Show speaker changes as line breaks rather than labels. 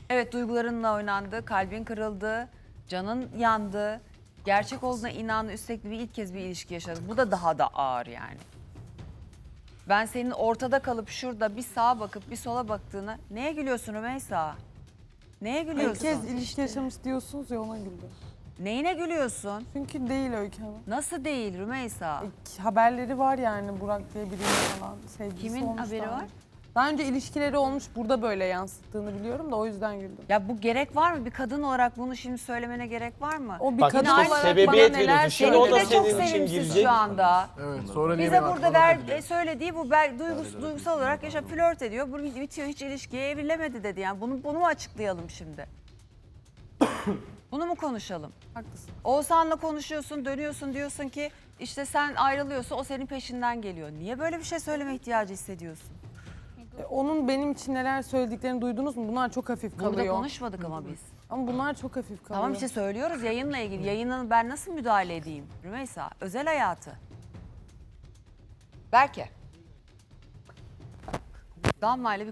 Evet, duygularınla oynandı, kalbin kırıldı, canın yandı. Gerçek olduğuna inandı, üstelik bir ilk kez bir ilişki yaşadın. Bu da daha da ağır yani. Ben senin ortada kalıp şurada bir sağa bakıp bir sola baktığına neye gülüyorsun Rümeysa? Neye
İlk
gülüyorsun?
kez ilişki yaşamış diyorsunuz ya, ona güldüm.
Neyine gülüyorsun?
Çünkü değil Öykü Hanım.
Nasıl değil Rümeysa?
Haberleri var yani, Burak diye biriyle falan sevgilisi
Kimin
olmuş
haberi
daha
var?
önce. Daha önce ilişkileri olmuş, burada böyle yansıttığını biliyorum da o yüzden güldüm.
Ya bu gerek var mı? Bir kadın olarak bunu şimdi söylemene gerek var mı?
O bir
Bak
kadın
işte
olarak
sebebiyet
bana neler
veriyorsun. Şimdi o
söyledi.
da
Seninki de çok
senin için
sevimsiz
girecek.
şu anda.
Evet, sonra niye
Bize
beni
burada
aklına
söylediği bu duygusal olarak yaşa flört ediyor. Bu bitiyor, hiç ilişkiye evrilemedi dedi. Yani bunu mu açıklayalım şimdi? Bunu mu konuşalım?
Haklısın.
Oğuzhan'la konuşuyorsun, dönüyorsun, diyorsun ki işte sen ayrılıyorsun, o senin peşinden geliyor. Niye böyle bir şey söyleme ihtiyacı hissediyorsun?
Onun benim için neler söylediklerini duydunuz mu? Bunlar çok hafif kalıyor.
Burada konuşmadık ama biz.
Ama bunlar çok hafif kalıyor.
Tamam işte söylüyoruz yayınla ilgili. Yayının ben nasıl müdahale edeyim Rümeysa? Özel hayatı. Berke. Damla ile bir